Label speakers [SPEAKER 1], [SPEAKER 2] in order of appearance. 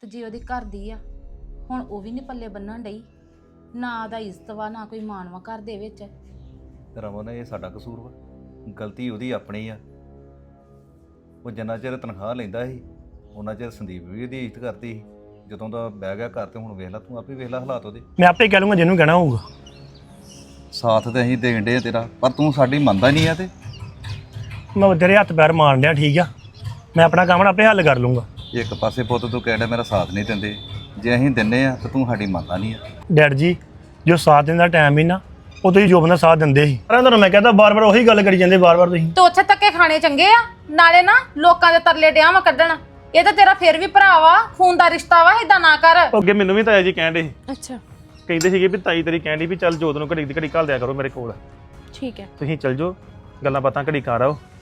[SPEAKER 1] ਤੇ ਜੇ ਉਹਦੀ ਘਰ ਦੀ ਆ ਹੁਣ ਉਹ ਵੀ ਨਹੀਂ ਪੱਲੇ ਬੰਨਣ ਡਈ, ਨਾ ਦਾ ਇੱਜ਼ਤ ਵਾ ਨਾ ਕੋਈ ਮਾਣਵਾ ਘਰ ਦੇ ਵਿੱਚ।
[SPEAKER 2] ਰਮਨ ਇਹ ਸਾਡਾ ਕਸੂਰ ਵਾ, ਗਲਤੀ ਉਹਦੀ ਆਪਣੀ ਆ। ਉਹ ਜਿੰਨਾ ਚਿਰ ਤਨਖਾਹ ਲੈਂਦਾ ਸੀ ਉਹਨਾਂ ਚਿਰ ਸੰਦੀਪ ਵੀ ਉਹਦੀ ਇੱਜ਼ਤ ਕਰਦੀ ਸੀ। ਜਦੋਂ ਦਾ ਬਹਿ ਗਿਆ ਘਰ ਤੇ ਹੁਣ ਵੇਖ ਲੈ, ਤੂੰ ਆਪੇ ਵੇਖ ਲੈ ਹਾਲਾਤ ਉਹਦੇ।
[SPEAKER 3] ਮੈਂ ਆਪੇ ਕਹਿ ਲੂੰਗਾ ਜਿਹਨੂੰ ਕਹਿਣਾ ਹੋਊਗਾ।
[SPEAKER 2] ਸਾਥ ਤੇ ਅਸੀਂ ਦੇਣ ਡੇ ਤੇਰਾ, ਪਰ ਤੂੰ ਸਾਡੀ ਮੰਨਦਾ ਨਹੀਂ ਆ। ਤੇ
[SPEAKER 3] ਮੈਂ ਤੇਰੇ ਹੱਥ ਪੈਰ ਮਾਰਨ ਡਿਆ, ਠੀਕ ਆ। ਮੈਂ ਆਪਣਾ ਕੰਮ ਆਪੇ ਹੱਲ ਕਰ ਲੂੰਗਾ।
[SPEAKER 2] ਇੱਕ ਪਾਸੇ ਪੁੱਤ ਤੂੰ ਕਹਿੰਦਾ ਮੇਰਾ ਸਾਥ ਨਹੀਂ ਦਿੰਦੇ, ਜੇ ਅਸੀਂ ਦਿੰਨੇ ਆ ਤਾਂ ਤੂੰ ਸਾਡੀ ਮੰਨਦਾ ਨਹੀਂ ਆ।
[SPEAKER 3] ਡੈਡ ਜੀ ਜੋ ਸਾਥ ਦੇਣ ਦਾ ਟਾਈਮ ਹੀ ਨਾ, ਉਹ ਤੁਸੀਂ ਜੋਬਨ ਦਾ ਸਾਥ ਦਿੰਦੇ ਸੀ। ਪਰ ਤੁਹਾਨੂੰ ਮੈਂ ਕਹਿੰਦਾ ਬਾਰ-ਬਾਰ ਉਹੀ ਗੱਲ ਕਰੀ ਜਾਂਦੇ ਬਾਰ-ਬਾਰ ਤੁਸੀਂ।
[SPEAKER 1] ਤੇ ਉੱਥੇ ਧੱਕੇ ਖਾਣੇ ਚੰਗੇ ਆ, ਨਾਲੇ ਨਾ ਲੋਕਾਂ ਦੇ ਤਰਲੇ ਡਿਆਂ ਵਾ ਕੱਢਣ। ਇਹ ਤਾਂ ਤੇਰਾ ਫਿਰ ਵੀ ਭਰਾ ਵਾ, ਖੂਨ ਦਾ ਰਿਸ਼ਤਾ ਵਾ, ਏਦਾਂ ਨਾ ਕਰ।
[SPEAKER 4] ਅੱਗੇ ਮੈਨੂੰ ਵੀ ਤਾਇਆ ਜੀ ਕਹਿਣ ਡੇ
[SPEAKER 1] ਅੱਛਾ
[SPEAKER 4] ਕਹਿੰਦੇ ਸੀਗੇ ਵੀ ਤਾਈ ਤੇਰੀ ਕਹਿਣ ਡਈ ਵੀ ਚੱਲ ਜੋਤ ਨੂੰ ਘੜੀ ਦੀ ਘੜੀ ਘੱਲ ਦਿਆ ਕਰੋ ਮੇਰੇ ਕੋਲ।
[SPEAKER 1] ਠੀਕ ਹੈ।
[SPEAKER 4] ਤੁਸੀਂ ਚੱਲ ਜਾਓ, ਗੱਲਾਂ ਬਾਤਾਂ ਘੜੀ ਕਰ ਆਓ,